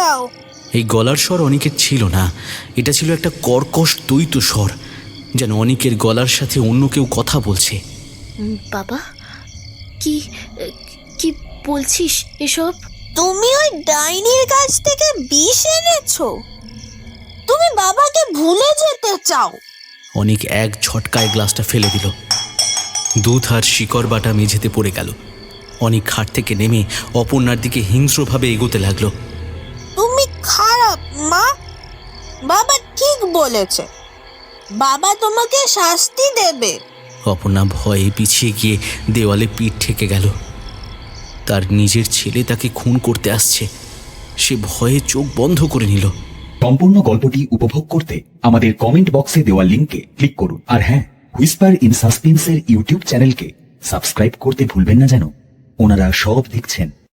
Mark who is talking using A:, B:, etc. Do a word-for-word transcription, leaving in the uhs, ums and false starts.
A: যাও।
B: এই গলার স্বর অনিকের ছিল না, এটা ছিল একটা কর্কশ দ্বৈত স্বর, যেন অনিকের গলার সাথে অন্য কেউ কথা বলছে।
C: বাবা, কি কি বলছিস এসব?
A: তুমি ওই ডাইনির কাছ থেকে বিষ এনেছো? তুমি বাবাকে ভুলে যেতে চাও?
B: অনিক এক ঝটকায় গ্লাসটা ফেলে দিল। দুধ আর শিকড় বাটা মেঝেতে পড়ে গেল। অনিক খাট থেকে নেমে অপর্ণার দিকে হিংস্রভাবে এগোতে লাগলো।
A: তুমি খারাপ মা, বাবা ঠিক বলেছে, বাবা তোমাকে শাস্তি দেবে।
B: অপর্ণা ভয়ে পিছিয়ে গিয়ে দেওয়ালে পিঠ ঠেকে গেল। তার নিজের ছেলে তাকে খুন করতে আসছে, সে ভয়ে চোখ বন্ধ করে নিল।
D: সম্পূর্ণ গল্পটি উপভোগ করতে আমাদের কমেন্ট বক্সে দেওয়া লিঙ্কে ক্লিক করুন। আর হ্যাঁ, হুইসপার ইন সাসপেন্সের ইউটিউব চ্যানেলকে সাবস্ক্রাইব করতে ভুলবেন না যেন। ওনারা সব দেখছেন।